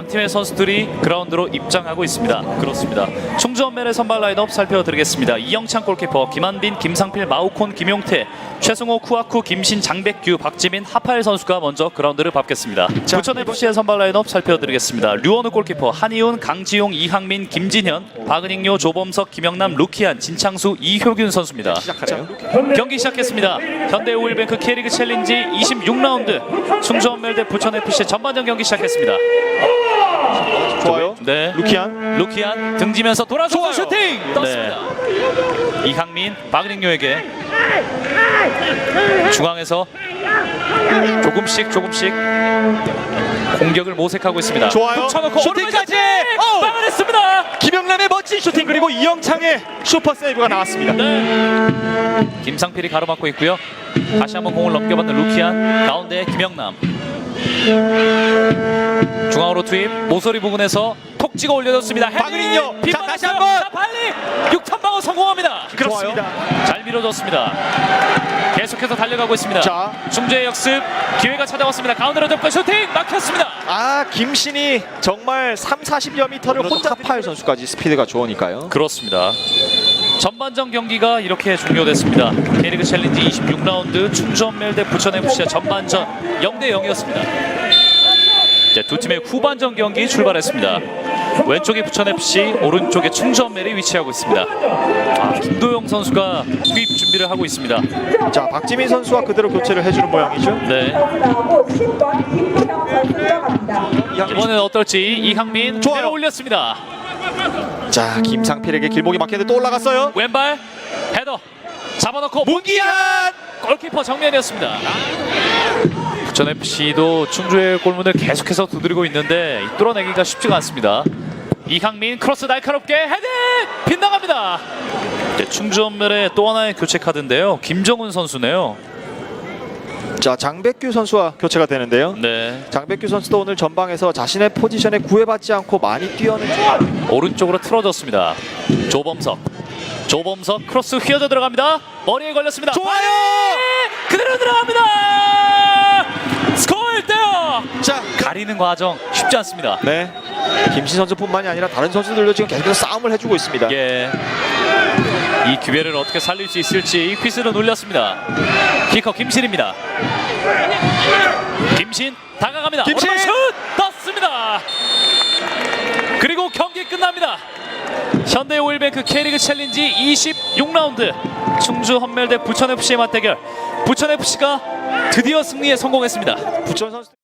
팀의 선수들이 그라운드로 입장하고 있습니다. 그렇습니다. 충주원멜의 선발 라인업 살펴드리겠습니다. 이영찬 골키퍼, 김한빈, 김상필, 마우콘, 김용태, 최승호, 쿠아쿠, 김신, 장백규, 박지민, 하파엘 선수가 먼저 그라운드를 밟겠습니다. 부천FC의 선발 라인업 살펴드리겠습니다. 류원우 골키퍼, 한이훈, 강지용, 이항민, 김진현, 박은익요, 조범석, 김영남, 루키안, 진창수, 이효균 선수입니다. 시작하네요. 경기 시작했습니다. 현대오일뱅크 K리그 챌린지 26라운드 충주원멜 대 부천FC 전반전 경기 시작했습니다. 좋아요. 네. 루키안 등지면서 돌아서서 슈팅 떴습니다. 이항민, 박은익요에게 중앙에서 조금씩 공격을 모색하고 있습니다. 좋아요. 붙여놓고 슈팅까지 막아냈습니다. 김영남의 멋진 슈팅 그리고 이영창의 슈퍼 세이브가 나왔습니다. 네. 김상필이 가로막고 있고요. 다시 한번 공을 넘겨받는 루키안, 가운데 김영남. 중앙으로 투입, 모서리 부근에서 톡 찍어 올려줬습니다. 박은익요. 자, 다시 한번. 빨리 6턴 방어 성공합니다. 그렇습니다. 잘 밀어줬습니다. 계속해서 달려가고 있습니다. 자. 중재의 역습, 기회가 찾아왔습니다. 가운데로 덮고 슈팅 막혔습니다. 김신이 정말 3-40여 미터를 혼자 하파엘 선수까지 스피드가 좋으니까요. 그렇습니다. 전반전 경기가 이렇게 종료됐습니다. K리그 챌린지 26라운드 충주원멜 대 부천FC의 전반전 0대0이었습니다. 이제 두 팀의 후반전 경기 출발했습니다. 왼쪽에 부천FC, 오른쪽에 충주원멜이 위치하고 있습니다. 김도영 선수가 투입 준비를 하고 있습니다. 자, 박지민 선수와 그대로 교체를 해주는 모양이죠. 네. 이번엔 어떨지 이항민 내려 올렸습니다. 자, 김상필에게 길목이 막혔는데 또 올라갔어요. 왼발 헤더 잡아놓고 문기한 골키퍼 정면이었습니다. 부천FC도 충주의 골문을 계속해서 두드리고 있는데 뚫어내기가 쉽지가 않습니다. 이항민 크로스 날카롭게 헤딩 빗나갑니다. 충주원멜의 또 하나의 교체 카드인데요. 김정훈 선수네요. 자, 장백규 선수와 교체가 되는데요. 네. 장백규 선수도 오늘 전방에서 자신의 포지션에 구애받지 않고 많이 뛰어낸 오른쪽으로 틀어졌습니다. 조범석 크로스 휘어져 들어갑니다. 머리에 걸렸습니다. 좋아요. 그대로 들어갑니다. 스코어 1대0. 자, 가리는 과정 쉽지 않습니다. 네. 김신 선수뿐만이 아니라 다른 선수들도 지금 계속해서 싸움을 해주고 있습니다. 예. 이 기회를 어떻게 살릴 수 있을지 퀴즈로 놀렸습니다. 키커 김신입니다. 김신 다가갑니다. 김신! 오른발 슛 떴습니다. 그리고 경기 끝납니다. 현대오일뱅크 K리그 챌린지 26라운드 충주헌멜 대 부천FC의 맞대결. 부천FC가 드디어 승리에 성공했습니다. 부천 선수